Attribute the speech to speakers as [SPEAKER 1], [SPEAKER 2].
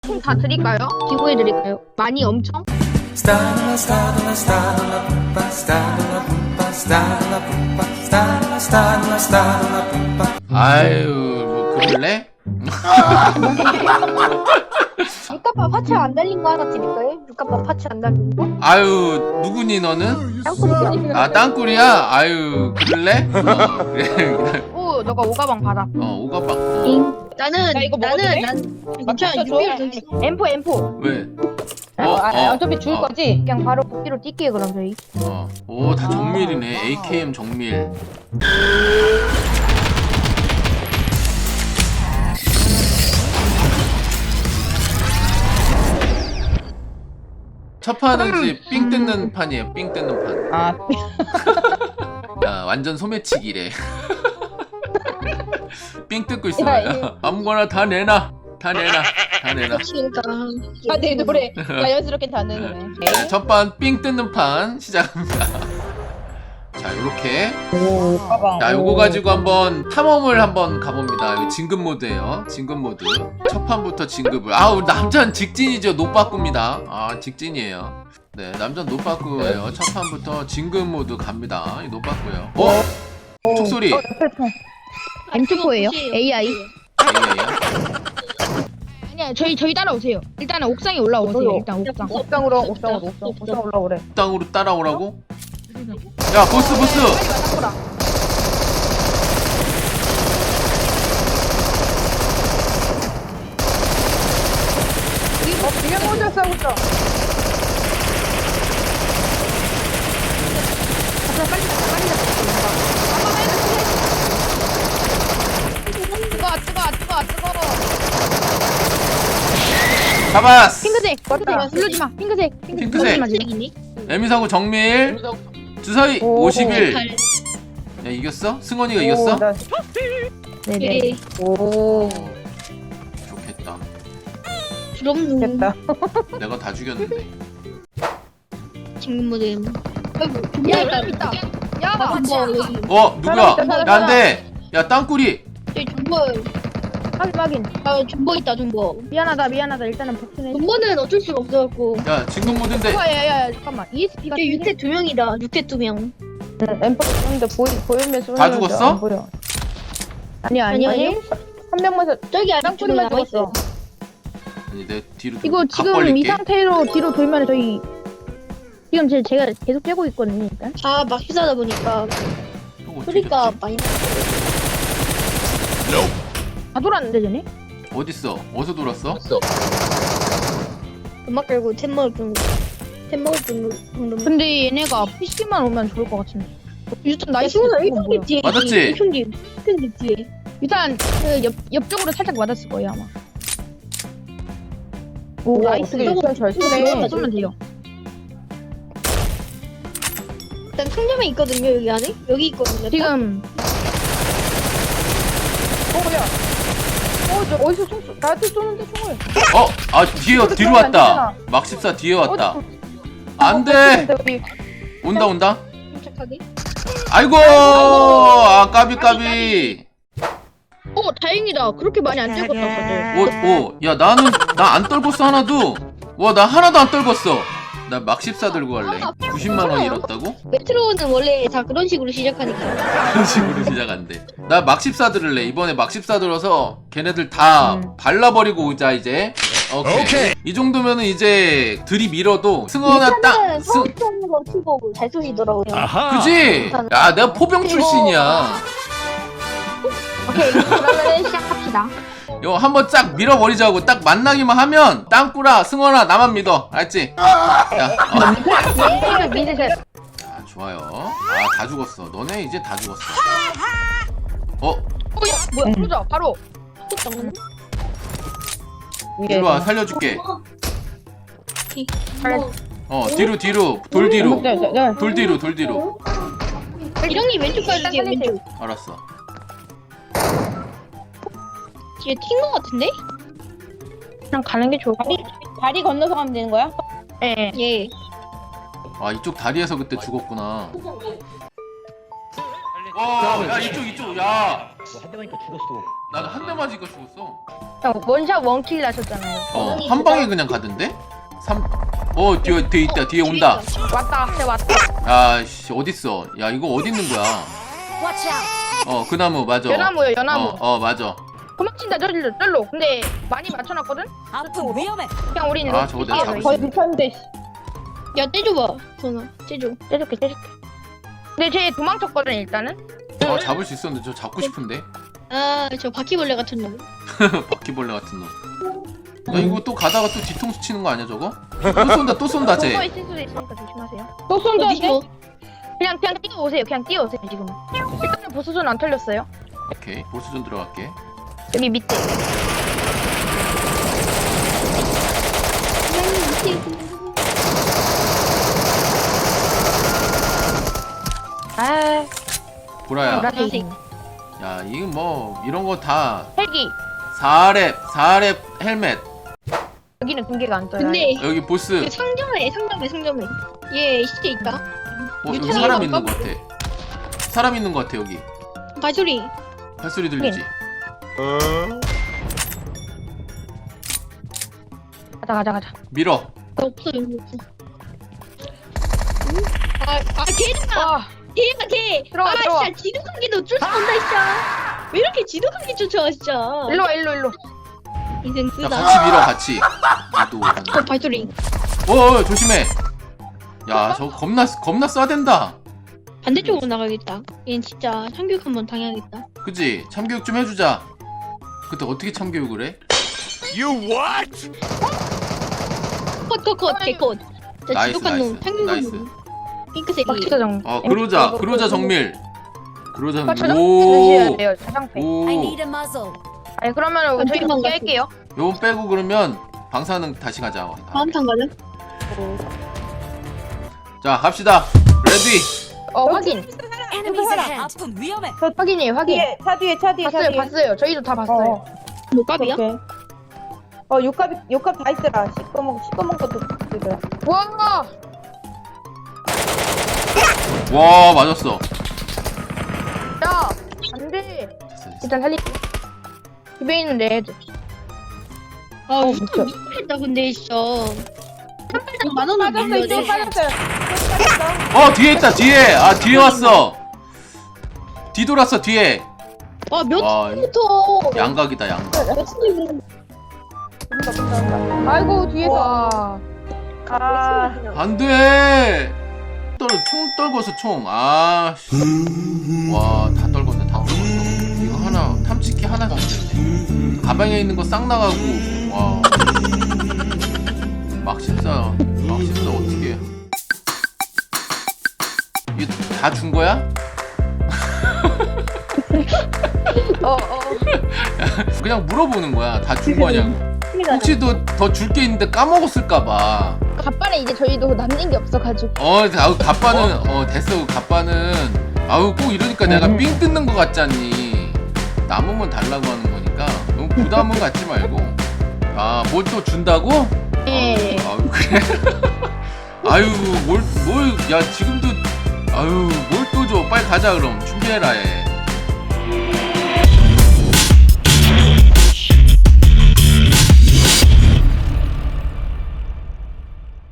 [SPEAKER 1] 총 다 드릴까요? 기부해 드릴까요? 많이 엄청?
[SPEAKER 2] 아유 뭐 그럴래?
[SPEAKER 1] 육갑밥 파츠 안 달린 거 하나 드릴까요? 육갑밥 파츠 안 달린 거?
[SPEAKER 2] 아유 누구니 너는?
[SPEAKER 1] 땅굴이요.
[SPEAKER 2] 아 땅굴이야? 아유 그럴래? 그래 그냥
[SPEAKER 1] 오, 너가 오가방 받아.
[SPEAKER 2] 오가방
[SPEAKER 1] 나는
[SPEAKER 3] 나 이거 먹어도 돼?
[SPEAKER 1] 괜찮아. M4.
[SPEAKER 2] 왜?
[SPEAKER 3] 어차피 줄 거지?
[SPEAKER 1] 그냥 바로 복귀로 뛸게요 그럼 저희.
[SPEAKER 2] 오 다 정밀이네. AKM 정밀. 첫 판은 이제 삥 뜯는 판이에요. 삥 뜯는 판.
[SPEAKER 3] 아,
[SPEAKER 2] 야 완전 소매치기래. 삥 뜯고 있어요. 아무거나 다 내놔. 다 내놔.
[SPEAKER 3] 내 노래 자연스럽게 다는 노래.
[SPEAKER 2] 네, 첫판 삥 뜯는 판 시작합니다. 자 요렇게
[SPEAKER 3] 오, 가방.
[SPEAKER 2] 자 요거 가지고 한번 탐험을 한번 가봅니다. 이거 진급 모드예요. 진급 모드. 첫 판부터 진급을. 아 우리 남자는 직진이죠. 노빠꾸입니다. 아 직진이에요. 네 남자는 노빠꾸예요. 첫 판부터 진급 모드 갑니다. 이 노빠꾸예요. 축소리.
[SPEAKER 1] M24예요. AI.
[SPEAKER 2] AI야?
[SPEAKER 1] 아니야 저희 따라오세요. 일단은 옥상에 올라오세요. 일단 옥상.
[SPEAKER 3] 옥상 올라오래.
[SPEAKER 2] 땅으로 따라오라고? 야 보스.
[SPEAKER 3] 그냥 혼자 싸우고 있어.
[SPEAKER 1] 뜨거워.
[SPEAKER 2] 잡았어.
[SPEAKER 1] 핑크색. 누르지 마. 핑크색.
[SPEAKER 2] 핑크색.
[SPEAKER 1] 누르지 마.
[SPEAKER 2] 에미사고 정밀. 주사위
[SPEAKER 3] 오.
[SPEAKER 2] 51. 야 이겼어? 승원이가 이겼어?
[SPEAKER 1] 네네.
[SPEAKER 3] 오,
[SPEAKER 2] 좋겠다.
[SPEAKER 3] 됐다.
[SPEAKER 2] 내가 다 죽였는데.
[SPEAKER 1] 지금 모드. 야 사람 있다. 야
[SPEAKER 2] 누구야?
[SPEAKER 3] 사람.
[SPEAKER 2] 난데. 야 땅굴이.
[SPEAKER 1] 저희 존버.
[SPEAKER 3] 확인.
[SPEAKER 1] 존버 있다 존버.
[SPEAKER 3] 미안하다. 일단은 복수네.
[SPEAKER 1] 존버는 어쩔 수가 없어갖고.
[SPEAKER 2] 야 진급 모드인데.
[SPEAKER 3] 야야야, 잠깐만. ESP가
[SPEAKER 1] 저희 6대 2명이다. 6대 2명.
[SPEAKER 3] 엠퍼 쏘는데 보이면 쏘는
[SPEAKER 2] 다 죽었어?
[SPEAKER 3] 안 보여. 아니야.
[SPEAKER 1] 아니.
[SPEAKER 3] 한 명만
[SPEAKER 1] 저기 아직
[SPEAKER 3] 땅굴이만
[SPEAKER 1] 남아
[SPEAKER 3] 죽었어.
[SPEAKER 1] 있어.
[SPEAKER 2] 아니 내 뒤로 좀
[SPEAKER 3] 이거
[SPEAKER 2] 각
[SPEAKER 3] 지금
[SPEAKER 2] 벌릴게.
[SPEAKER 3] 이 상태로 뒤로 돌면 저희 지금 제가 계속 째고 있거든요. 일단.
[SPEAKER 1] 아 막 휘사다 보니까
[SPEAKER 2] 형 어떻게
[SPEAKER 1] 소리가
[SPEAKER 2] 됐지?
[SPEAKER 1] 많이
[SPEAKER 3] 다 돌았는데 전에?
[SPEAKER 2] 어딨어? 어디서 돌았어?
[SPEAKER 1] 음악 깔고 템 먹을 정도.
[SPEAKER 3] 근데 얘네가 PC만 오면 좋을 것 같은데. 일단 나이스.
[SPEAKER 1] 승원아
[SPEAKER 3] 보여.
[SPEAKER 1] 1평집 뒤에.
[SPEAKER 2] 맞았지?
[SPEAKER 1] 1평집 뒤에.
[SPEAKER 3] 일단 그 옆쪽으로 살짝 맞았을 거예요 아마. 오, 나이스.
[SPEAKER 1] 어떻게
[SPEAKER 3] 잘
[SPEAKER 1] 쏘네.
[SPEAKER 3] 쏘면 돼요.
[SPEAKER 1] 일단 상점에 있거든요 여기 안에. 여기 있거든요.
[SPEAKER 3] 지금. 야. 저 어디서 총 쏘? 나한테 쏘는데 총을.
[SPEAKER 2] 뒤로 왔다. 막십사 뒤에 왔다. 안 돼. 온다.
[SPEAKER 1] 침착하게.
[SPEAKER 2] 아이고. 아 까비.
[SPEAKER 1] 다행이다. 그렇게 많이 안 찍었다 다들.
[SPEAKER 2] 야 나는 나 안 떨궜어 하나도. 와 나 하나도 안 떨궜어. 나 막십사 들고 갈래. 90만 원 잃었다고?
[SPEAKER 1] 메트로는 원래 다 그런 식으로 시작하니까.
[SPEAKER 2] 그런 식으로 시작한대. 나 막십사 들을래. 이번에 막십사 들어서 걔네들 다 발라버리고 오자 이제. 오케이. 이 정도면은 이제 들이밀어도 승원아 딱.
[SPEAKER 1] 처음 쏘는 거 치고 잘 쏘시더라고요.
[SPEAKER 2] 그지? 야 내가 포병 출신이야.
[SPEAKER 1] 오케이 그러면 시작합시다.
[SPEAKER 2] 이거 한번 쫙 밀어버리자고. 딱 만나기만 하면 땅꾸라 승원아 나만 믿어. 알지? 야,
[SPEAKER 3] 미드셋.
[SPEAKER 2] 자 좋아요. 다 죽었어. 너네 이제 다 죽었어.
[SPEAKER 3] 뭐야? 그러자 바로.
[SPEAKER 2] 일로 와 살려줄게. 뒤로 돌 뒤로. 돌 뒤로.
[SPEAKER 1] 이령님 왼쪽 가주세요 왼쪽.
[SPEAKER 2] 알았어.
[SPEAKER 1] 뒤에 튄 거 같은데?
[SPEAKER 3] 그냥 가는 게 좋을 것 같아. 다리 건너서 가면 되는 거야? 네.
[SPEAKER 1] 예.
[SPEAKER 2] 아 이쪽 다리에서 그때 죽었구나. 야 이쪽 야.
[SPEAKER 4] 한 대 맞으니까 죽었어.
[SPEAKER 2] 나도 한 대 맞으니까 죽었어.
[SPEAKER 3] 형 원샷 원킬 나셨잖아요.
[SPEAKER 2] 한 방에 그냥 가던데? 뒤에 있다. 뒤에 온다.
[SPEAKER 3] 왔다. 쟤 왔다.
[SPEAKER 2] 야, 씨, 어딨어? 야, 이거 어디 있는 거야? 그 나무, 맞아.
[SPEAKER 3] 연나무요 연나무.
[SPEAKER 2] 맞아.
[SPEAKER 3] 도망친다 절로. 근데 많이 맞춰놨거든?
[SPEAKER 4] 아프 위험해.
[SPEAKER 3] 그냥 우리는
[SPEAKER 2] 아, 저거 내가 잡을 수
[SPEAKER 3] 거의
[SPEAKER 2] 있어.
[SPEAKER 3] 미쳤는데.
[SPEAKER 1] 야 떼줘봐 전화 떼줘.
[SPEAKER 3] 떼줄게. 근데 쟤 도망쳤거든 일단은.
[SPEAKER 2] 잡을 수 있었는데 저 잡고 싶은데?
[SPEAKER 1] 아 저 바퀴벌레 같은 놈.
[SPEAKER 2] 바퀴벌레 같은 놈. 야, 이거 또 가다가 또 뒤통수 치는 거 아니야, 저거? 또 쏜다, 쟤.
[SPEAKER 3] 또 있을 수도 있으니까 조심하세요. 또 쏜다.
[SPEAKER 1] 어디서?
[SPEAKER 3] 그냥 뛰어오세요. 지금. 일단은 보수전 안 털렸어요.
[SPEAKER 2] 오케이, 보수전 들어갈게.
[SPEAKER 3] 여기 밑에. 아,
[SPEAKER 2] 보라야.
[SPEAKER 3] 보라색.
[SPEAKER 2] 야, 이거 뭐, 이런 거 다
[SPEAKER 3] 헬기.
[SPEAKER 2] 4렙 헬멧.
[SPEAKER 3] 여기는 공개가 안 떠요.
[SPEAKER 1] 근데
[SPEAKER 2] 여기 보스.
[SPEAKER 1] 상점에 얘 시체 있다.
[SPEAKER 2] 여기
[SPEAKER 1] 유튜브에
[SPEAKER 2] 사람 있는
[SPEAKER 1] 볼까?
[SPEAKER 2] 것 같아. 사람 있는 것 같아, 여기.
[SPEAKER 1] 발소리.
[SPEAKER 2] 발소리 들리지?
[SPEAKER 3] 가자.
[SPEAKER 2] 밀어.
[SPEAKER 1] 없어 여기 없어. 걔잖아.
[SPEAKER 3] 와,
[SPEAKER 1] 걔가 걔.
[SPEAKER 3] 들어와.
[SPEAKER 1] 진짜 지독한 게너 쫓아온다 진짜. 왜 이렇게 지독한 게 쫓아와 진짜.
[SPEAKER 3] 일로.
[SPEAKER 1] 인생
[SPEAKER 2] 야,
[SPEAKER 1] 쓰다.
[SPEAKER 2] 같이 밀어, 같이. 나도.
[SPEAKER 1] 발소리.
[SPEAKER 2] 조심해. 야, 저거 겁나 쏴댄다.
[SPEAKER 1] 반대쪽으로 나가야겠다. 얘는 진짜 참교육 한번 당해야겠다.
[SPEAKER 2] 그치? 참교육 좀 해주자. 그때 어떻게 참교육을 해?
[SPEAKER 1] 컷 개컷. 진짜
[SPEAKER 2] 나이스,
[SPEAKER 1] 지독한 놈.
[SPEAKER 2] 나이스,
[SPEAKER 1] 참교육
[SPEAKER 2] 나이스.
[SPEAKER 1] 놈. 핑크색.
[SPEAKER 3] 박치사정.
[SPEAKER 2] 그러자 정밀. 그러자 정밀.
[SPEAKER 3] 박치사정
[SPEAKER 2] 오.
[SPEAKER 3] 드셔야 돼요. 자장패.
[SPEAKER 4] I
[SPEAKER 2] 오.
[SPEAKER 4] need a muzzle.
[SPEAKER 3] 아니 그러면 저희
[SPEAKER 1] 엄청
[SPEAKER 3] 공개할게요.
[SPEAKER 2] 요건 빼고 그러면 방사능 다시 가자.
[SPEAKER 1] 다음 탄 가자.
[SPEAKER 2] 자, 갑시다. 레디.
[SPEAKER 3] 확인.
[SPEAKER 4] Enemies ahead. 아프 위험해.
[SPEAKER 3] 확인이에요. 확인.
[SPEAKER 5] 차 뒤에
[SPEAKER 3] 봤어요. 저희도 다 봤어요.
[SPEAKER 1] 뭐 값이야?
[SPEAKER 5] 오케이. 육갑 다 있더라. 시꺼먼 것도 있더라.
[SPEAKER 3] 와,
[SPEAKER 2] 와, 맞았어.
[SPEAKER 3] 야, 안돼. 일단 살릴게. 집에 있는 레드.
[SPEAKER 1] 아 진짜 미쳤다 근데 진짜. 한 만원은 밀려야 돼.
[SPEAKER 5] 빠졌어요.
[SPEAKER 2] 뒤에 있다, 뒤에. 뒤에 왔어. 뒤돌았어, 뒤에.
[SPEAKER 1] 아몇
[SPEAKER 2] 와,
[SPEAKER 1] 분부터.
[SPEAKER 2] 양각이다, 양각.
[SPEAKER 3] 아이고 뒤에가.
[SPEAKER 2] 안 돼. 총 떨궈서 총. 와, 다 떨궜네, 다 떨궜어. 이거 하나, 탐지키 하나도 안 되네. 가방에 있는 거 싹 나가고. 와. 막십사 어떻게? 이거 다 준 거야? 그냥 물어보는 거야. 다 준 거냐고. 혹시 더 줄 게 있는데 까먹었을까봐.
[SPEAKER 3] 갑반에 이제 저희도 남는 게 없어가지고.
[SPEAKER 2] 갑바는 됐어. 갑바는 꼭 이러니까 내가 삥 뜯는 거 같잖니. 남으면 달라고 하는 거니까 너무 부담은 갖지 말고. 뭘 또 준다고?
[SPEAKER 3] 예.
[SPEAKER 2] 그래. 야, 지금도 뭘 또 줘. 빨리 가자 그럼. 준비해라 해.